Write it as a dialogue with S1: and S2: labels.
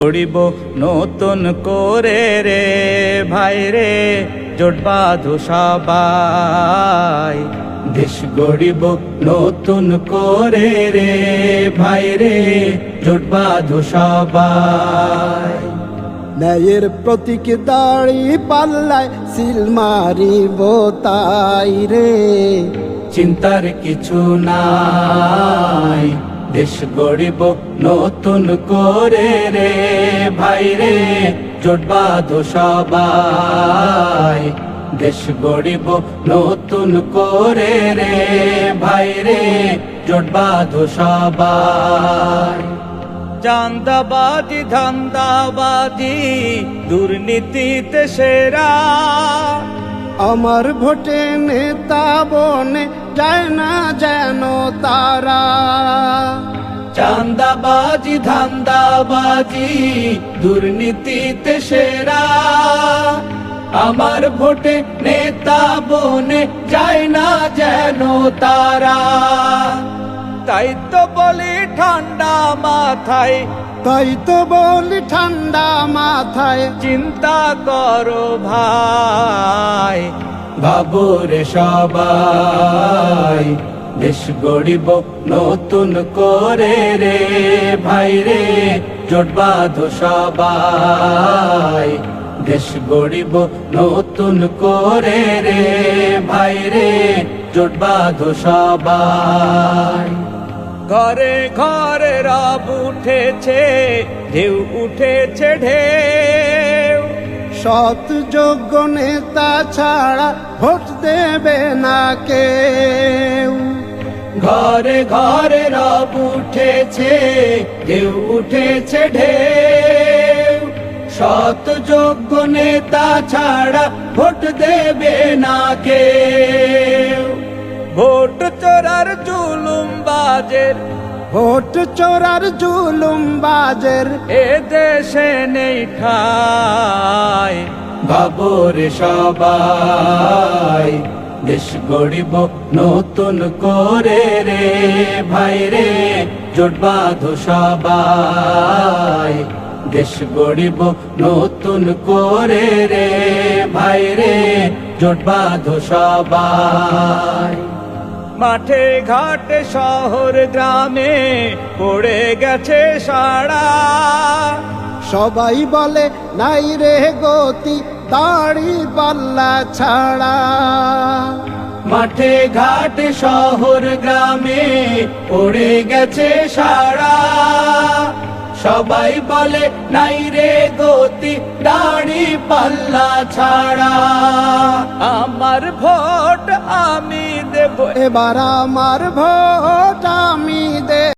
S1: গড়িব নতুন করে রে ভাই রে, জোট বাঁধো সবাই। দেশ গড়িব নতুন করে রে ভাই রে, জোট বাঁধো সবাই।
S2: ন্যায়ের প্রতীক দাড়ি পাল্লায় সিল মারিব তাই রে,
S1: চিন্তার কিছু নাই। দেশ গড়িব নতুন করে রে ভাই রে, জোট বাঁধো সবাই। দেশ গড়িব নতুন করে রে ভাই রে, জোট বাঁধো সবাই। চাঁদাবাজি ধান্দাবাজি দুর্নীতিতে সেরা,
S2: আমার ভোটে নেতা বনে যায় না যেন তারা।
S1: চাঁদাবাজি ধান্দাবাজি দুর্নীতিতে সেরা, আমার ভোটে নেতা বনে যায় না যেন তারা। তাই তো বলি ঠান্ডা মাথায়,
S2: তাই তো বলি ঠান্ডা মাথায়,
S1: চিন্তা করো ভাই। ভাবো রে সবাই, দেশ গড়িব নতুন করে রে ভাই রে, জোট বাঁধো সবাই। দেশ গড়িব নতুন করে রে ভাই রে, জোট বাঁধো সবাই। ঘরে ঘরে রব উঠেছে, ঢেউ উঠেছে ঢেউ,
S2: সৎ যোগ্য নেতা ছাড়া ভোট দেবে না কেউ।
S1: ঘরে ঘরে রব উঠেছে, ঢেউ উঠেছে ঢেউ, সৎ যোগ্য নেতা ছাড়া ভোট দেবে না কেউ। ভোট চোরার জুলুম বাজের,
S2: ভোট চোরার জুলুম বাজের
S1: এ দেশে নেই ঠাঁই। ভাবো রে সবাই, দেশ গড়িব নতুন করে রে ভাই রে, জোট বাঁধো সবাই। দেশ গড়িব নতুন করে রে ভাই রে, জোট বাঁধো সবাই। মাঠে ঘাটে শহর গ্রামে পড়ে গেছে সাড়া,
S2: সবাই বলে নাই রে গতি দাড়ি পাল্লা ছাড়া।
S1: মাঠে ঘাটে শহর গ্রামে পড়ে গেছে সাড়া, সবাই বলে নাই রে গতি দাড়ি পাল্লা ছাড়া। আমার ভোট আমি দেব,
S2: এবার আমার ভোট আমি দে